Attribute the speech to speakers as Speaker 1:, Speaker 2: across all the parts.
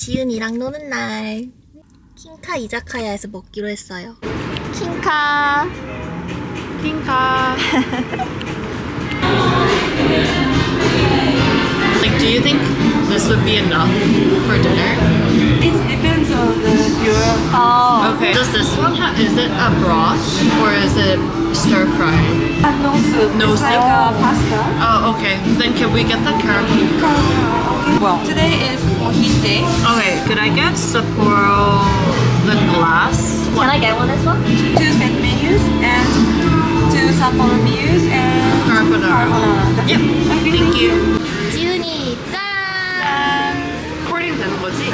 Speaker 1: 지은이랑 노는 날 킹카 이자카야에서 먹기로 했어요. 킹카
Speaker 2: Like, do you think this would be enough for dinner?
Speaker 3: It depends on the viewer.
Speaker 2: Okay. Does this one have, is it a broth or is it stir fry?
Speaker 3: No soup.
Speaker 2: No
Speaker 3: It's
Speaker 2: soup?
Speaker 3: like pasta.
Speaker 2: Oh, okay. Then can we get the caramel?
Speaker 3: Well, today is mojito.
Speaker 2: Okay, could I get Sapporo the glass?
Speaker 1: Can I get one as well?
Speaker 3: 2 set menus and 2 Sapporo menus and
Speaker 2: Carbonara.
Speaker 3: That's
Speaker 2: Yep.
Speaker 3: it. Okay,
Speaker 2: Thank you.
Speaker 1: 지은이 짠!
Speaker 2: Recording 되는 거지?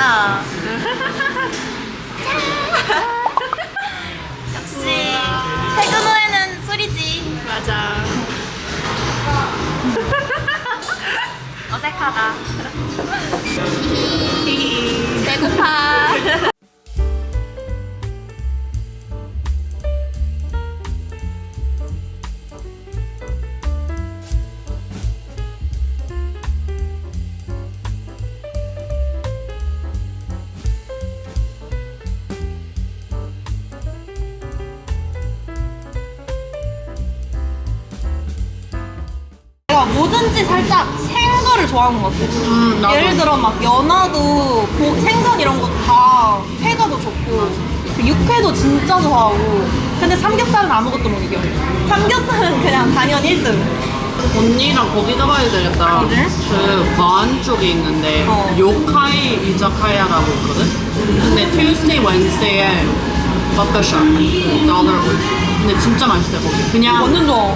Speaker 1: 역시 퇴근 후에는 술이지.
Speaker 2: 맞아.
Speaker 1: 어색하다. 배고파.
Speaker 4: 내가 뭐든지 살짝 생거를 좋아하는 것 같아.
Speaker 2: 나도.
Speaker 4: 예를 들어 막 연어도 생선 이런 것도 다 회가 더 좋고 육회도 진짜 좋아하고 근데 삼겹살은 아무것도 못 이겨. 삼겹살은 그냥 당연 1등.
Speaker 2: 언니랑 거기 가봐야 되겠다.
Speaker 4: 어디?
Speaker 2: 그 마안 쪽에 있는데 요카이 이자카야라고 있거든? 근데 Tuesday, Wednesday에 버터샵 $1 근데 진짜 맛있대 거기. 그냥
Speaker 4: 완전 좋아.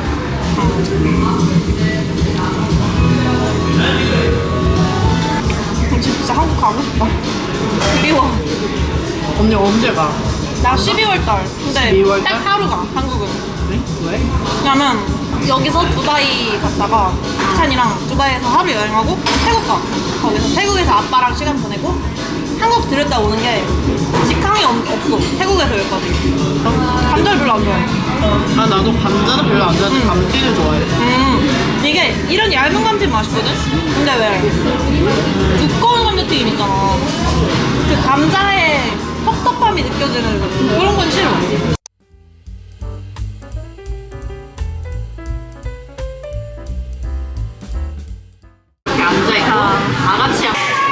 Speaker 4: 진짜 한국 가고 싶다. 그리워.
Speaker 2: 언니 언제 가?
Speaker 4: 나 12월 달. 근데
Speaker 2: 12월 달?
Speaker 4: 딱 하루 가, 한국은.
Speaker 2: 네? 왜?
Speaker 4: 왜냐면 여기서 두바이 갔다가 찬이랑 두바이에서 하루 여행하고 태국 가. 거기서 태국에서 아빠랑 시간 보내고 한국 들렸다 오는 게 직항이 없어. 태국에서 여기까지. 감자를 별로 안 좋아해.
Speaker 2: 아 나도 감자는 별로 안 좋아하는데 감튀는 좋아해.
Speaker 4: 이게 이런 얇은 감튀 맛있거든? 근데 왜 두꺼운 감자튀김 있잖아. 그 감자의 텁텁함이 느껴지는 그런 건 싫어.
Speaker 2: 이렇게 앉아있고 다 같이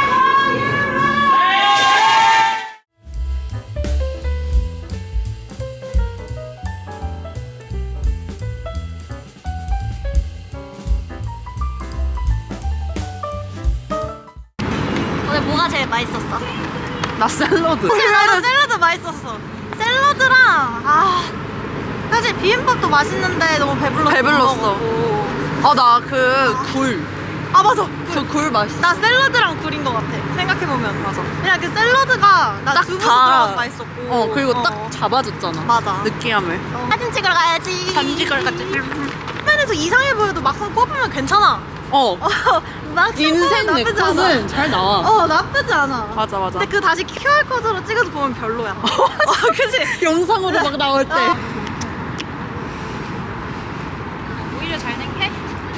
Speaker 1: 오늘 뭐가 제일 맛있었어?
Speaker 2: 나 샐러드.
Speaker 1: 나도 샐러드 맛있었어. 샐러드랑 사실 비빔밥도 맛있는데 너무
Speaker 2: 배불렀어. 나 그 굴.
Speaker 1: 맞아.
Speaker 2: 그 굴 맛있어.
Speaker 1: 나 샐러드랑 굴인 것 같아. 생각해보면. 맞아. 그냥 그 샐러드가 나
Speaker 2: 딱
Speaker 1: 두부
Speaker 2: 다-
Speaker 1: 들어가서 맛있었고.
Speaker 2: 그리고 딱 잡아줬잖아.
Speaker 1: 맞아.
Speaker 2: 느끼함을.
Speaker 1: 사진 찍으러 가야지.
Speaker 2: 사진 찍으러 가지.
Speaker 1: 화면에서 이상해 보여도 막상 뽑으면 괜찮아. 막상
Speaker 2: 인생
Speaker 1: 뽑으면
Speaker 2: 내
Speaker 1: 나쁘지 않아.
Speaker 2: 컷은 잘 나와.
Speaker 1: 나쁘지 않아.
Speaker 2: 맞아.
Speaker 1: 근데 그 다시 QR코드로 찍어서 보면 별로야. 그치?
Speaker 2: 영상으로 막 나올 때.
Speaker 1: 오히려 잘 낸게?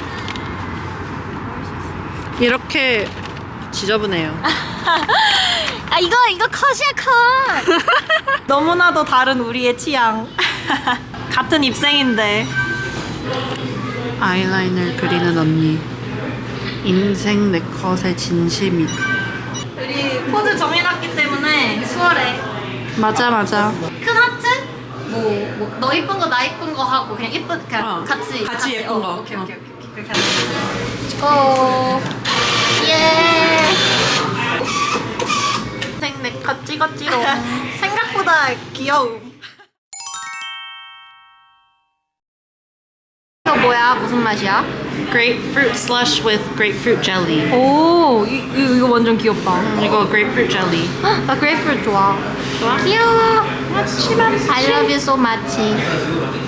Speaker 2: 이렇게 지저분해요.
Speaker 1: 이거 컷이야 컷.
Speaker 4: 너무나도 다른 우리의 취향. 같은 입생인데.
Speaker 2: 아이라인을 그리는 언니. 인생 내 컷의 진심이.
Speaker 4: 우리 포즈 정해놨기 때문에 수월해.
Speaker 2: 맞아.
Speaker 1: 큰 하트? 너 이쁜 거 나 이쁜 거 하고 그냥 이쁜 그냥 같이
Speaker 2: 예쁜 거.
Speaker 4: 오케이. 그렇게
Speaker 1: 고. 예.
Speaker 2: 인생 내 컷 찍었지롱.
Speaker 1: 생각보다 귀여움. 이거 뭐야? 무슨 맛이야?
Speaker 2: Grapefruit slush with grapefruit jelly.
Speaker 4: 오, 이거 완전 귀엽다.
Speaker 2: 이거 grapefruit jelly.
Speaker 1: 나 그레이프루트 좋아.
Speaker 2: 좋아?
Speaker 1: 귀여워. I love you so much.